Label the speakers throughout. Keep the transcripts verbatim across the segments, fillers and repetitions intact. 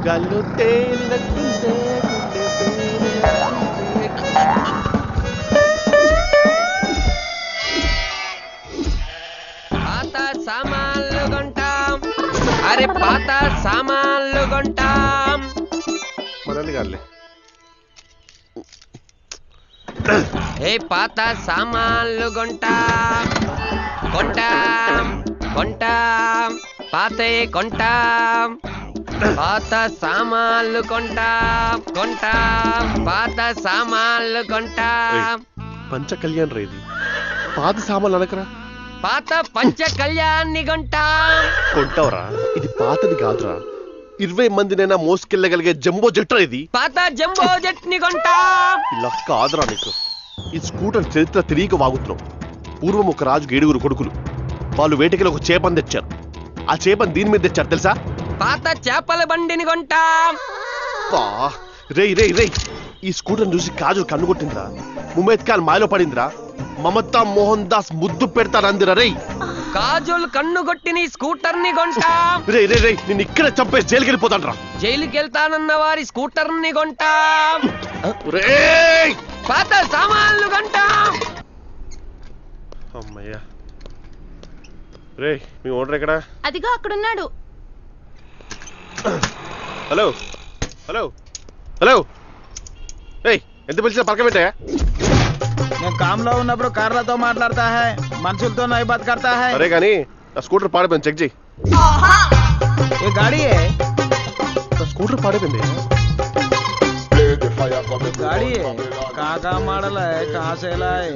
Speaker 1: గల్లు తేలినట్టుందే
Speaker 2: పాత సామాన్లు కొంటాం, అరే పాత సామాన్లు కొంటాం.
Speaker 1: మనల్ని కాదులే.
Speaker 2: ఏ పాత సామాన్లు కొంటాం కొంటాం కొంటాం పాతే కొంటాం, పాత సామాన్లు కొంటాం కొంటాం పాత సామాన్లు కొంటాం.
Speaker 1: పంచ కళ్యాణ్ రేది పాత సామాన్లు అనకరా,
Speaker 2: పాత పంచ కళ్యాణ్ని కొంటాం.
Speaker 1: కొంటావరా? ఇది పాతది కాదురా, ఇరవై మందినైనా మోసుకెళ్ళగలిగే జంబో జట్రా ఇది.
Speaker 2: పాత జంబో జెట్ ని కొంటాం.
Speaker 1: ఇలా కాదురా నీకు. ఈ స్కూటర్ చరిత్ర తిరిగి వాగుతున్నావు. పూర్వం ఒక రాజుకి ఏడుగురు కొడుకులు. వాళ్ళు వేటకిలో ఒక చేపని తెచ్చారు. ఆ చేపని దీని మీద తెచ్చారు తెలుసా?
Speaker 2: పాత చేపల బండిని కొంటాం.
Speaker 1: రేయ్ రేయ్ రేయ్ ఈ స్కూటర్ చూసి కాజు కన్ను కొట్టిందిరా. ముమేద్ ఖాన్ మాయలో పడిందిరా. మమతా మోహన్ దాస్ ముద్దు పెడతారందిరా. రేయ్
Speaker 2: కాజుల్ కన్ను కొట్టిన స్కూటర్ ని కొంటాం.
Speaker 1: రే రే రే నేను ఇక్కడే చంపేసి జైలుకి వెళ్ళిపోతాను రా.
Speaker 2: జైలుకి వెళ్తానన్న వారి స్కూటర్ ని కొంటాం.
Speaker 1: రేయ్
Speaker 2: పాత సామాన్లు కొంటాం.
Speaker 1: అమ్మయ్యా. రే మీ ఓనర్ ఎక్కడా?
Speaker 3: అదిగో అక్కడున్నాడు.
Speaker 1: హలో హలో హలో రేయ్ ఎంత పిలిచినా పక్క పెట్టా?
Speaker 4: నేను కామ్లో ఉన్నప్పుడు కార్లతో మాట్లాడతా హై, మనుషులతో నై బాత్ కర్తా హై.
Speaker 1: అరే కానీ నా స్కూటర్ పాడైపోయింది, చెక్ చేయి.
Speaker 4: ఏ గాడి హై?
Speaker 1: నా స్కూటర్ పాడైపోయింది.
Speaker 4: గాడి హై కాకా మోడల్ హై, కాసేలా హై.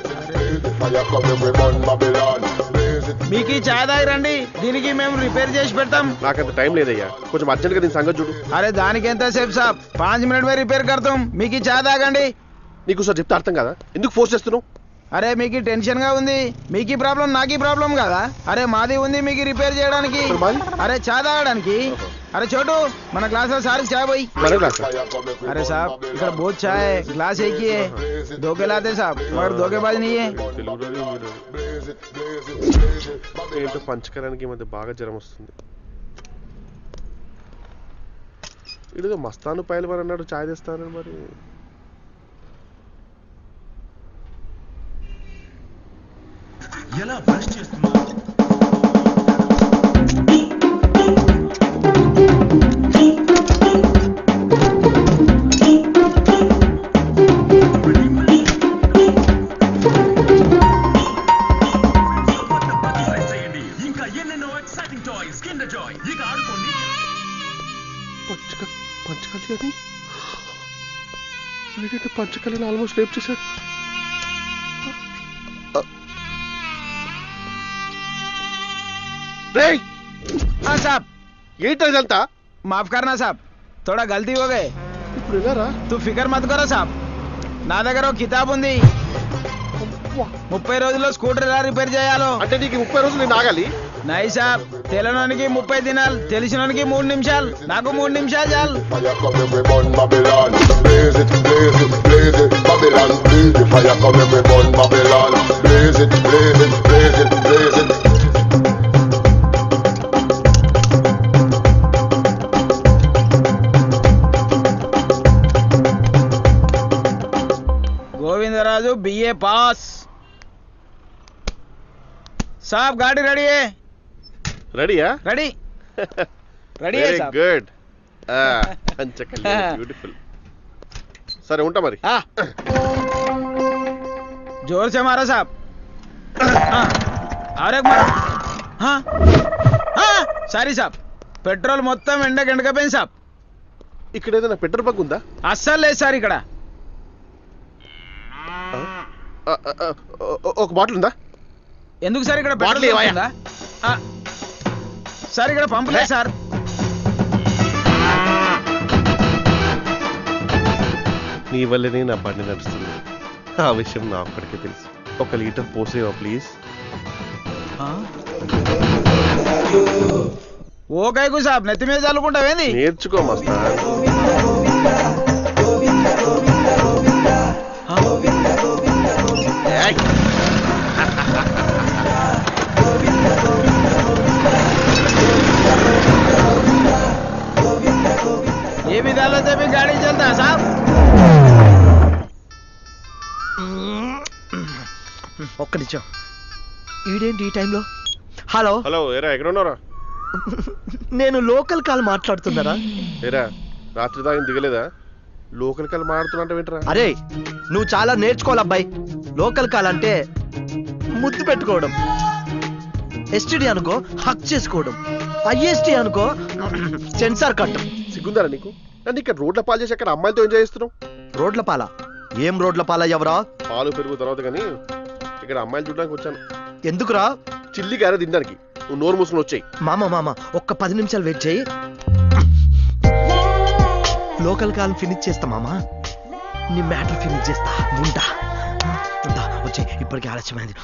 Speaker 4: మీకు చాయ్ దాగి రండి, దీనికి మేము రిపేర్ చేసి పెడతాం.
Speaker 1: నాకంత టైం లేదయ్యా, కొంచెం అర్జెంట్ గా దీని సంగతి చూడు.
Speaker 4: అరే దానికి ఎంత సేపు సాబ్, పాంచ్ మినిట్ మే రిపేర్ కడతాం. మీకు చాయ్ తాగండి.
Speaker 1: నీకు సార్ చెప్తే అర్థం కదా, ఎందుకు ఫోర్స్ చేస్తున్నావు?
Speaker 4: అరే మీకు టెన్షన్ గా ఉంది, మీకు ప్రాబ్లం నాకీ ప్రాబ్లం కదా. అరే మాది ఉంది మీకు రిపేర్ చేయడానికి, అరే చాయ్ తాగడానికి. అరే చోటు మన గ్లాస్ లో సార్ చాయ్ పోయి. अरे साहब इधर बहुत चाय है, ग्लास एक ही है, धोखे लाते साहब, मगर धोखेबाज नहीं है.
Speaker 1: ఏంటో పంచకరానికి ఈ మధ్య బాగా జ్వరం వస్తుంది. ఇదిగో మస్తాను పైలవాన్ అన్నాడు చాయ్ తెస్తానని. మరి
Speaker 5: ఎలా బ్రష్ చేస్తున్నా? ఇంకా ఎన్నెన్నో ఎక్సైటింగ్ టాయ్స్ కిండర్ జాయ్, ఇక ఆడుకోండి.
Speaker 1: పంచక పంచకళ్యాణి వీడంటే పంచకళ్యాణి ఆల్మోస్ట్ రేప్ చేశాడు. రేయ్
Speaker 4: हाँ साहब
Speaker 1: ఏంటో ఇదంతా?
Speaker 4: माफ करना साहब, थोड़ा गलती हो गए.
Speaker 1: ఇప్పుడు వెళ్ళారా?
Speaker 4: तू फिकर मत करो साहब, నా దగ్గర ఒక కితాబ్ ఉంది. ముప్పై రోజుల్లో స్కూటర్ ఎలా రిపేర్ చేయాలో.
Speaker 1: అంటే నీకు ముప్పై రోజులు నేను ఆగాలి?
Speaker 4: నై సాబ్, తెలియనోనికి ముప్పై దినాలు, తెలిసినోనికి మూడు నిమిషాలు, నాకు మూడు నిమిషాలు చాలు. Govindaraju BA pass. సాబ్ గాడి రెడీ है?
Speaker 1: రెడీయా?
Speaker 4: రెడీ రెడీ है साहब.
Speaker 1: గుడ్. పంచకళ్యాణి బ్యూటిఫుల్. సరే ఉంటా మరి.
Speaker 4: हाँ जोर से मारो साहब. हाँ और एक मारो. हाँ हाँ సారీ సాబ్, పెట్రోల్ మొత్తం ఎండకి ఎండకపోయింది సాబ్.
Speaker 1: ఇక్కడ ఏదైనా పెట్రోల్ బంక్ ఉందా?
Speaker 4: అస్సలు లేదు సార్ ఇక్కడ.
Speaker 1: ఒక బాటిల్ ఉందా?
Speaker 4: ఎందుకు సార్ ఇక్కడ
Speaker 1: బాటిల్
Speaker 4: పెట్రోల్
Speaker 1: ఏవయ్యా?
Speaker 4: ఉందా? ఆ, సార్ ఇక్కడ పంపు లేదు సార్.
Speaker 1: నీ వల్లనే నా బండి నడుస్తుంది. ఆ విషయం నా అప్పటికే తెలుసు. ఒక లీటర్ పోసేవా ప్లీజ్?
Speaker 4: ఓ కైకు సాబ్, నెత్తి మీద చల్లుకుంటావేంది?
Speaker 1: నేర్చుకో మస్తా.
Speaker 4: ఏ విధాలో చెప్పి గాడి చల్తా సాబ్.
Speaker 3: ఒక్క నిమిషం, ఈడేంటి ఈ టైంలో? హలో
Speaker 1: హలో ఏరా ఎక్కడ ఉన్నారా?
Speaker 3: నేను లోకల్ కాల్ మాట్లాడుతున్నారా?
Speaker 1: ఏరా రాత్రి దాకా దిగలేదా? Local call మాడుతున్నా వింటరా?
Speaker 3: అరే నువ్వు చాలా నేర్చుకోవాలి అబ్బాయి. లోకల్ కాల్ అంటే ముద్దు పెట్టుకోవడం, ఎస్టీడీ అనుకో హక్ చేసుకోవడం, ఐఎస్టీ అనుకో సెన్సార్ కట్టం.
Speaker 1: సిగ్గుందారా నీకు? నన్ను ఇక్కడ రోడ్ల పాలు చేసి అక్కడ అమ్మాయిలతో ఎంజాయ్ చేస్తున్నావు.
Speaker 3: రోడ్ల పాల? ఏం రోడ్ల పాల ఎవరా?
Speaker 1: పాలు పెరుగు తర్వాత కానీ ఇక్కడ అమ్మాయిలు చూడడానికి వచ్చాను.
Speaker 3: ఎందుకురా?
Speaker 1: చిల్లి గారే తినడానికి. నువ్వు నోరు మూసుకుని వచ్చాయి.
Speaker 3: మామ మామ ఒక్క పది నిమిషాలు వెయిట్ చేయి, లోకల్ కాల్ ఫినిష్ చేస్తా మామ. నీ మ్యాటర్ ఫినిష్ చేస్తా. ఉంటా వచ్చే, ఇప్పటికే ఆలస్యమైంది.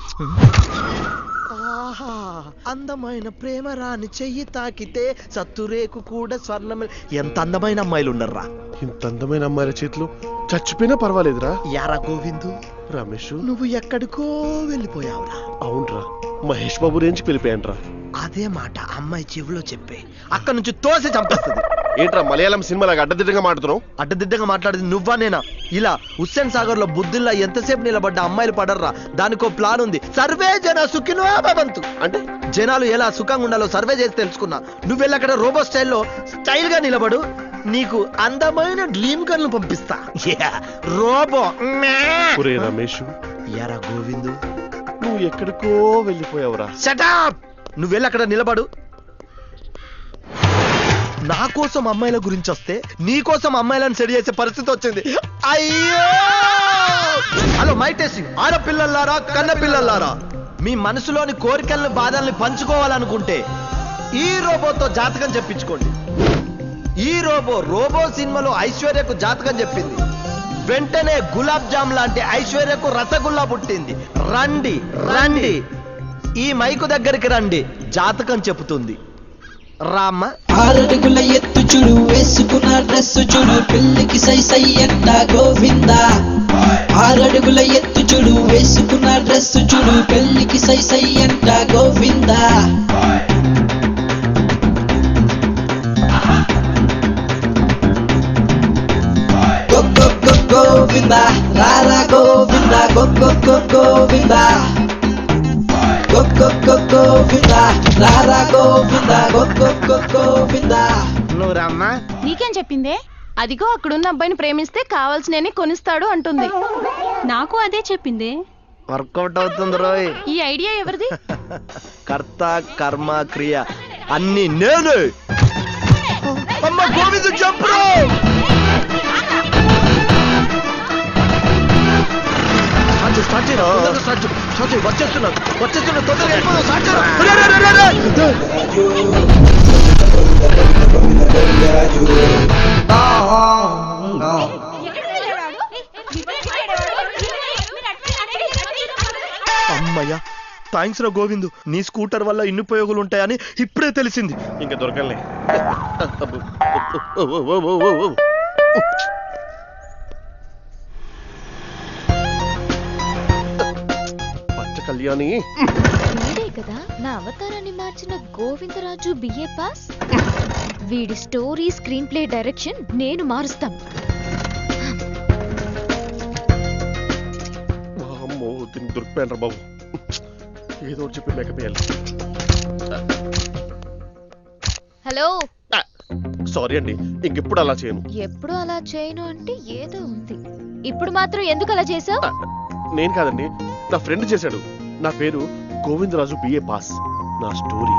Speaker 3: ఆహా, అందమైన ప్రేమ రాని చెయ్యి తాకితే సత్తురేకు కూడా స్వర్ణమే. ఎంత అందమైన అమ్మాయిలు ఉన్నారా?
Speaker 1: ఇంత అందమైన అమ్మాయిల చేతిలో చచ్చిపోయినా పర్వాలేదురా.
Speaker 3: యారా గోవిందు,
Speaker 1: రమేష్
Speaker 3: నువ్వు ఎక్కడికో వెళ్ళిపోయావురా.
Speaker 1: అవునరా, మహేష్ బాబు రేంజ్కి వెళ్ళిపోయానురా.
Speaker 3: అదే మాట అమ్మాయి చెవిలో చెప్పే, అక్కడ నుంచి తోసి చంపేస్తుంది.
Speaker 1: ఏంట్రా మలయాళం సినిమాలాగా అడ్డదిడ్డంగా మాట్లాడుతున్నావు?
Speaker 3: అడ్డదిడ్డంగా మాట్లాడేది నువ్వా నేనా? ఇలా హుస్సేన్ సాగర్ లో బుద్ధిల్లా ఎంతసేపు నిలబడ్డ అమ్మాయిలు పడర్రా. దానికో ప్లాన్ ఉంది. సర్వే జన సుఖినో భవంతు అంటే జనాలు ఎలా సుఖంగా ఉండాలో సర్వే చేసి తెలుసుకున్నా. నువ్వెళ్ళి అక్కడ రోబో స్టైల్లో స్టైల్ గా నిలబడు, నీకు అందమైన డ్రీమ్ గర్ల్ పంపిస్తా. రోబో
Speaker 1: ఒరే రమేష్,
Speaker 3: యారా గోవిందు,
Speaker 1: నువ్వు ఎక్కడికో వెళ్ళిపోయావురా.
Speaker 3: షటప్! నువ్వెళ్ళి అక్కడ నిలబడు. నా కోసం అమ్మాయిల గురించి వస్తే నీ కోసం అమ్మాయిలను సెడి చేసే పరిస్థితి వచ్చింది. అయ్యో! Hello my testing. ఆడపిల్లలారా, కన్న పిల్లలారా, మీ మనసులోని కోరికల్ని బాధల్ని పంచుకోవాలనుకుంటే ఈ రోబోతో జాతకం చెప్పించుకోండి. ఈ రోబో రోబో సినిమాలో ఐశ్వర్యకు జాతకం చెప్పింది. వెంటనే గులాబ్ జామ్ లాంటి ఐశ్వర్యకు రసగుల్లా పుట్టింది. రండి రండి, ఈ మైకు దగ్గరికి రండి, జాతకం చెబుతుంది. రామ్మ.
Speaker 6: ఆరడుగుల ఎత్తు చూడు, వేసుకున్న డ్రెస్ చూడు, పెళ్లికి సై సై అంట గోవిందా. ఆరడుగుల ఎత్తు చూడు, వేసుకున్న డ్రెస్ చూడు, పెళ్లికి సై సై అంట గోవిందా. గోవిందా రారా గోవిందా, గో గోవిందా గోవిందా రారా గోవిందా, గోవిందా.
Speaker 3: నువ్వు రామ్మా.
Speaker 7: నీకేం చెప్పిందే? అదిగో అక్కడున్న అబ్బాయిని ప్రేమిస్తే కావాల్సినవి కొనిస్తాడు అంటుంది. నాకు అదే చెప్పింది.
Speaker 3: వర్కౌట్ అవుతుంది రోయ్.
Speaker 7: ఈ ఐడియా ఎవరిది?
Speaker 3: కర్త కర్మ క్రియ అన్ని నేను. అమ్మ గోవిందు చంపురు. స్టార్ట్ చేయరా, స్టార్ట్ చేయి, స్టార్ట్ చేయి. వచ్చేస్తున్నాను వచ్చేస్తున్నాను తొందరగా వెళ్ళిపోదాం. స్టార్ట్ చేయరా. అమ్మయ్యా, థ్యాంక్స్ రా గోవిందు. నీ స్కూటర్ వల్ల ఇన్ని ఉపయోగాలు ఉంటాయని ఇప్పుడే తెలిసింది.
Speaker 1: ఇంకా దొరకలే. పచ్చ కళ్యాణి
Speaker 8: వీడే కదా నా అవతారాన్ని మార్చిన గోవిందరాజు బిఏ పాస్. వీడి స్టోరీ స్క్రీన్ ప్లే డైరెక్షన్ నేను మారుస్తాను.
Speaker 1: అమ్మో దీన్ని దొరికిపోయాను రా బాబు. ఏదో ఒకటి చెప్పి మేకప్ వేయాలి.
Speaker 8: హలో,
Speaker 1: సారీ అండి, ఇంకెప్పుడు అలా చేయను.
Speaker 8: ఎప్పుడు అలా చేయను అంటే ఏదో ఉంది. ఇప్పుడు మాత్రం ఎందుకు అలా చేసావు?
Speaker 1: నేను కాదండి, నా ఫ్రెండ్ చేశాడు. నా పేరు గోవిందరాజు బిఏ పాస్. నా స్టోరీ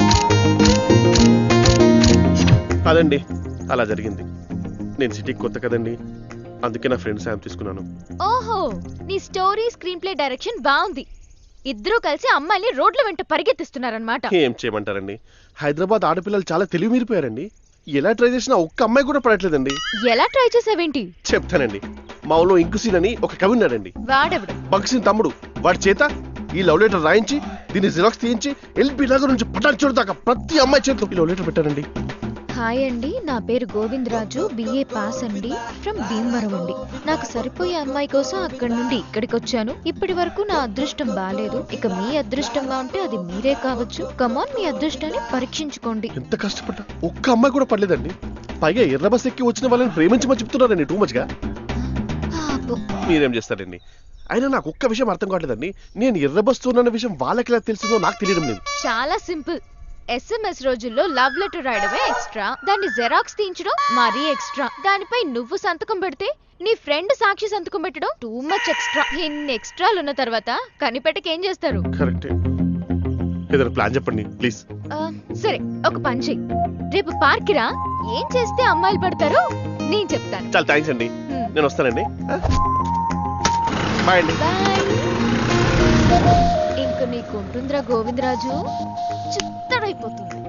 Speaker 1: అదండి, అలా జరిగింది. నేను సిటీకి కొత్త కదండి, అందుకే నా ఫ్రెండ్ సాయం తీసుకున్నాను.
Speaker 8: ఓహో, నీ స్టోరీ స్క్రీన్ ప్లే డైరెక్షన్ బాగుంది. ఇద్దరూ కలిసి అమ్మాయిని రోడ్ల వెంట పరిగెత్తిస్తున్నారన్నమాట.
Speaker 1: ఏం చేయమంటారండి, హైదరాబాద్ ఆడపిల్లలు చాలా తెలివి మీరిపోయారండి. ఎలా ట్రై చేసినా ఒక్క అమ్మాయి కూడా పడట్లేదండి.
Speaker 8: ఎలా ట్రై చేసావేంటి?
Speaker 1: చెప్తానండి. మా ఊళ్ళో ఇంకుసీన్ అని ఒక కవి ఉన్నాడండి.
Speaker 8: వాడెవడు?
Speaker 1: భగత్ తమ్ముడు. వాడి చేత ఈ లవ్ లెటర్ రాయించి దీన్ని జిరాక్స్ తీయించి ఎల్పీ నగర్ నుంచి పటాన్ చోటు దాకా ప్రతి అమ్మాయి చేతిలో ఈ లవ్ లెటర్ పెట్టారండి.
Speaker 8: హాయ్ అండి, నా పేరు గోవిందరాజు, బిఏ పాస్ అండి, ఫ్రమ్ భీమవరం అండి. నాకు సరిపోయే అమ్మాయి కోసం అక్కడి నుండి ఇక్కడికి వచ్చాను. ఇప్పటి వరకు నా అదృష్టం బాలేదు. ఇక మీ అదృష్టంగా ఉంటే అది మీరే కావచ్చు. కమాన్, మీ అదృష్టాన్ని పరీక్షించుకోండి.
Speaker 1: ఎంత కష్టపడ్డా ఒక్క అమ్మాయి కూడా పడలేదండి. పైగా ఎర్ర బస్ ఎక్కి వచ్చిన వాళ్ళని ప్రేమించమని చెప్తున్నారండి టూ మచ్ గా.
Speaker 8: పాపం.
Speaker 1: మీరేం చేస్తారండి? అయినా నాకు ఒక్క విషయం అర్థం కావట్లేదండి. నేను ఎర్ర బస్ ఉన్న విషయం వాళ్ళకి ఎలా తెలిసిందో నాకు తెలియడం లేదు.
Speaker 8: చాలా సింపుల్. ఎస్ఎంఎస్ రోజుల్లో లవ్ లెటర్ రాయడమే ఎక్స్ట్రా, దాన్ని జెరాక్స్ తీయించడం మరీ ఎక్స్ట్రా, దానిపై నువ్వు సంతకం పెడితే నీ ఫ్రెండ్ సాక్షి సంతకం పెట్టడం టూ మచ్ ఎక్స్ట్రా. ఇన్ని ఎక్స్ట్రాలు ఉన్న తర్వాత కనిపెట్టకి ఏం చేస్తారు?
Speaker 1: కరెక్టే. ఏదైనా ప్లాన్ చెప్పండి ప్లీజ్.
Speaker 8: ఆ, సరే, ఒక పని చెయ్యి. రేపు పార్క్ రా. ఏం చేస్తే అమ్మాయిలు పడతారో నేను చెప్తాను.
Speaker 1: చాలా థ్యాంక్స్ అండి.
Speaker 8: హ్మ్.
Speaker 1: నేను వస్తానండి. బాయ్ అండి.
Speaker 8: బాయ్. ఇంక నీకు ఉంటుందిరా గోవిందరాజు, చిత్తడైపోతుంది.